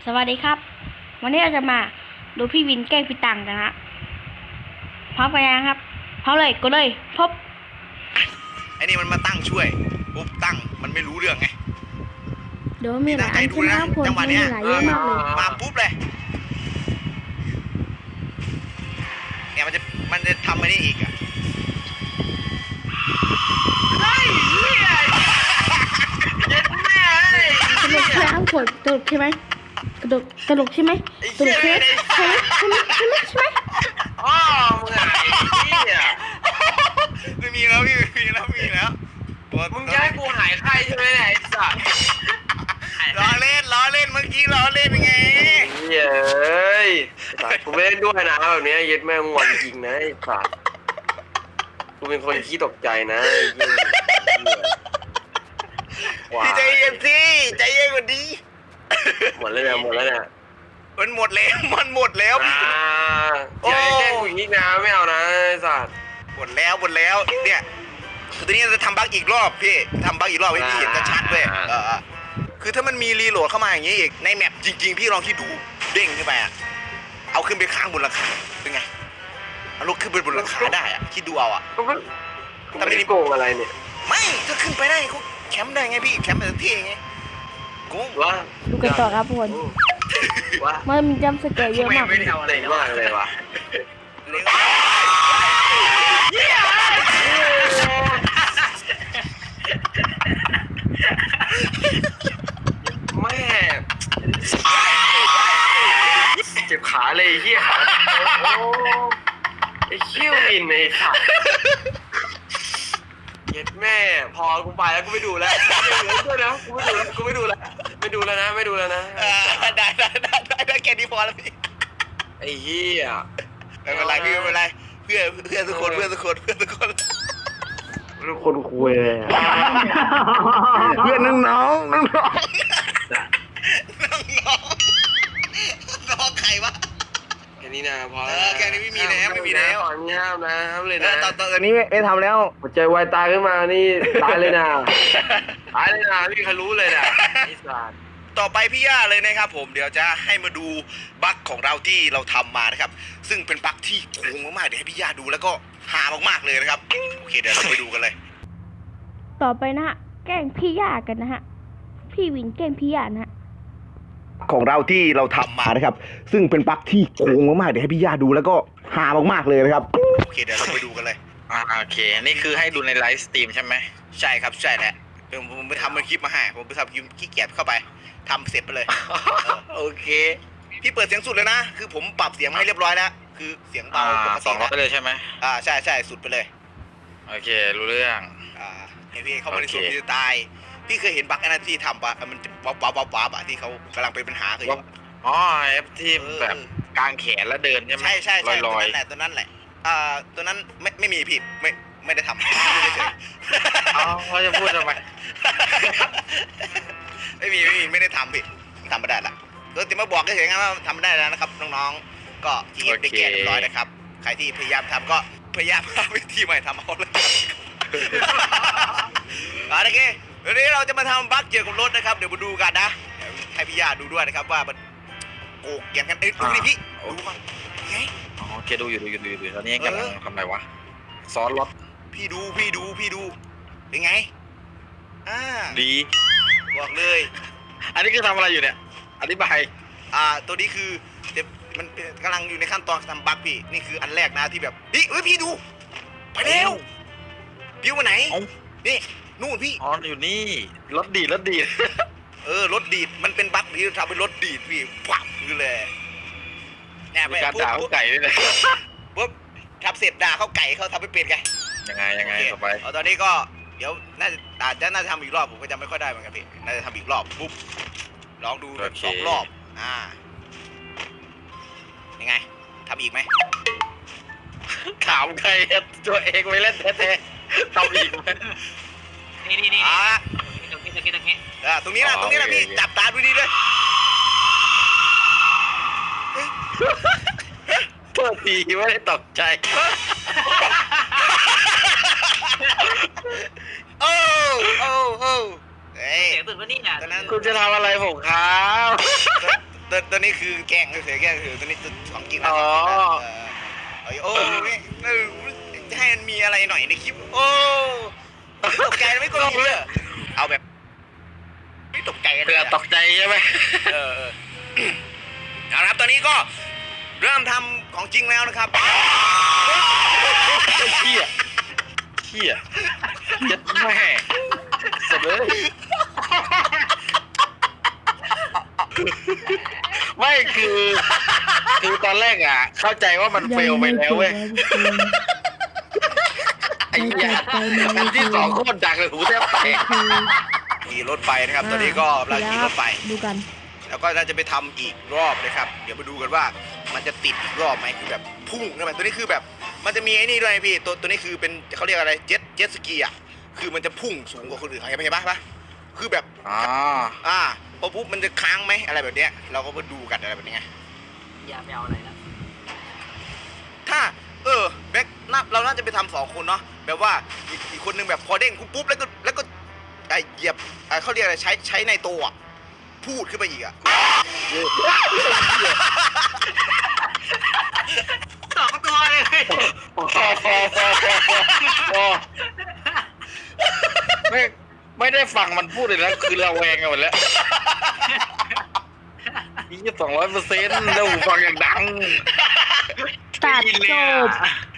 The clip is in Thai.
สวัสดีครับวันนี้เราจะมาดูพี่วินแกล้งพี่ตังกันฮะพร้อมกันยังครับพร้อมเลยก็เลยพบไอ้นี่มันมาตั้งช่วยปุ๊บตั้งมันไม่รู้เรื่องไงเดี๋ยวมีหลายอันใช่ไหมครับคนมีหลายเยอะมากเลยมาปุ๊บเลยเนี่ยมันจะทำอะไรอีกอ่ะเฮ้ยเย็ดแม่ตลกใช่ไหมครับคนตลกใช่ไหมตลกใช่ไหมตลกใช่ไหมใช่ไหมอ๋อมึงไอ้เนี่ยไม่มีแล้วพี่มีแล้วมึงจะให้กูหายไข้ใช่ไหมเนี่ยไอ้สัสล้อเล่นเมื่อกี้ล้อเล่นไงเย้ยกูไม่เล่นด้วยนะแบบนี้เย็ดแม่งวันจริงนะไอ้สัสกูเป็นคนขี้ตกใจนะพี่ใจเย็นสิใจเย็นกว่านี้หมดแล้วเนี่ยมันหมดแล้วอย่าแกล้งกูอีกนะไม่เอานะไอ้สัสหมดแล้วเนี่ยคือตอนนี้จะทำบั๊กอีกรอบพี่ทำบั๊กอีกรอบให้พี่เห็นชัดๆด้วยคือถ้ามันมีรีโหลดเข้ามาอย่างนี้อีกในแมปจริงๆพี่ลองคิดดูเด้งขึ้นไปอ่ะเอาขึ้นไปค้างบนหลังคาเป็นไงเอาลูกขึ้นไปบนหลังคาได้อ่ะคิดดูเอาอ่ะแต่ไม่ได้โกงอะไรเนี่ยไม่ถ้าขึ้นไปได้เขาแคมป์ได้ไงพี่แคมป์แบบเท่ไงโกงวะดูกันต่อครับทุกคนมันมีจัมป์สแกร์เยอะมากไม่ได้เอาอะไรมากเลยวะแม่เจ็บขาเลยเฮียขาไอ้เขี้ยวอินไอ้ขาเย็ดแม่พอกูไปแล้วกูไม่ดูแล้วด้วยนะกูไม่ดูแล้วนะได้แค่นี้พอแล้วพี่ไอ้เฮียไม่เป็นไรพี่ไม่เป็นไรเพื่อนทุกคนทุกคนคุยเลยเพื่อนน้องใครวะแค่นี้นะพอแค่นี้ไม่มีแล้วตอนนี้ห้ามนะเลยนะตอนนี้ไม่ทำแล้วหัวใจวายตายขึ้นมานี่ตายเลยนะไม่มีใครรู้เลยนะไอ้สัสต่อไปพี่ย่าเลยนะครับผมเดี๋ยวจะให้มาดูบั๊กของเราที่เราทำมานะครับซึ่งเป็นบั๊กที่โกงมากๆเดี๋ยวให้พี่ย่าดูแล้วก็หามากๆเลยนะครับโอเคเดี๋ยวเราไปดูกันเลยต่อไปนะฮะแกล้งพี่ย่ากันนะฮะพี่วินแกล้งพี่ย่านะฮะของเราที่เราทำมานะครับซึ่งเป็นบั๊กที่โกงมากๆเดี๋ยวให้พี่ย่าดูแล้วก็หามากๆเลยนะครับโอเคเดี๋ยวเราไปดูกันเลยโอเคนี่คือให้ดูในไลฟ์สตรีมใช่ไหมใช่ครับใช่แหละผมไปทำเป็นคลิปมาให้ผมไปทำขี้เกียจเข้าไปทำเสร็จไปเลยโอเคพี่เปิดเสียงสุดเลยนะคือผมปรับเสียงมาให้เรียบร้อยแล้วคือเสียงเบาปกติ 200เลยใช่ไหมใช่สุดไปเลยโอเครู้เรื่องเฮ้ยพี่เข้ามาในส่วนที่ตายพี่เคยเห็นบั๊กอันนั้นที่ทำปะมันวับอะที่เขากำลังเป็นปัญหาคือเอฟที่แบบกางแขนแล้วเดินใช่ไหมใช่ตัวนั้นแหละตัวนั้นไม่มีผิดไม่ได้ทำไม่ได้เฉยเขาจะพูดทำไมไม่ได้ทำผิดทำไม่ได้ละตัวที่มาบอกก็เฉยๆว่าทำไม่ได้แล้วนะครับน้องๆก็ที่ได้แก้เรียบร้อยนะครับใครที่พยายามทำก็พยายามหาวิธีใหม่ทำเอาเลยโอเควันนี้เราจะมาทำบั๊กเกี่ยวกับรถนะครับเดี๋ยวมาดูกันนะให้พี่ย่าดูด้วยนะครับว่ามันโกงเกี่ยงกันดูดิพี่ดูมั้งไงโอเคดูอยู่ตอนนี้กำลังทำอะไรวะซ้อนรถพี่ดูเป็นไงดีบอกเลยอันนี้คือทำอะไรอยู่เนี่ยอธิบายตัวนี้คือมันกำลังอยู่ในขั้นตอนทำบั๊กพี่นี่คืออันแรกนะที่แบบพี่ดูไปเร็วพี่มาไหนนี่นู่นพี่อยู่นี่รถดีดรถดีดมันเป็นบั๊กที่ทำเป็นรถดีดพี่ปับคือเลยแอบไปการด่าเขาไก่ด้วยเลยปุ๊บทับเสร็จด่าเขาไก่เขาทำไม่เป็นไงยังไงต่อไปตอนนี้ก็เดี๋ยวน่าจะทำอีกรอบผมก็จำไม่ค่อยได้เหมือนกันพี่น่าจะทำอีกรอบปุ๊บลองดู2 รอบยังไงทำอีกไหมถามใครตัวเองไม่เล่นแท้ๆทำอีกไหมนี่ตรงนี้นะพี่จับตาดูดีเลยโทษทีไม่ได้ตกใจโอ้เสียงตื่นวะนี่นะคุณจะทำอะไรผมครับตัวนี้คือแกล้งเฉยๆแกล้งเฉยๆตัวนี้ตัวของจริงนะอ๋อโอ้ยจะให้มันมีอะไรหน่อยในคลิปโอ้ตกใจไม่กลัวเลยเอาแบบไม่ตกใจเลเผื่อย ตกใจใช่ไหมเอาละครับตอนนี้ก็เริ่มทำของจริงแล้วนะครับเหี้ยยัดแม่สุดเลยไม่คือตอนแรกอ่ะ เข้าใจว่ามันเฟลไปแล้วเว้ยไอ้เหี้ยอันที่สองโคตรดังเลยหูแทบแตกขี่รถไปนะครับ ตอนนี้ก็เราขี่รถไปดูกันแล้วก็น่าจะไปทำอีกรอบนะครับ เดี๋ยวมาดูกันว่ามันจะติดอีกรอบไหมคือแบบพุ่งนะมันตัวนี้คือแบบมันจะมีไอ้นี่ด้วยพี่ตัวนี้คือเป็นเขาเรียกอะไรเจ็ตสกีอ่ะคือมันจะพุ่งสูงกว่าคนอื่นเห็นไหมปะคือแบบอ๋อพอปุ๊บมันจะค้างไหมอะไรแบบเนี้ยเราก็มาดูกันอะไรแบบนี้ไงอย่าไปเอาอะไรแล้วถ้าแบ็คเราน่าจะไปทำ2 คนเนาะแบบว่าอีกคนนึงแบบพอเด้งปุ๊บแล้วก็เหยียบเขาเรียกอะไรใช้ในตัวอะพูดขึ้นไปอีกอ่ะ 2 ตัวเลยไม่ได้ฟังมันพูดเลยแล้วคือระแวงกันหมดแล้วนี่200%แล้วหูฟังอย่างดังตัดจบ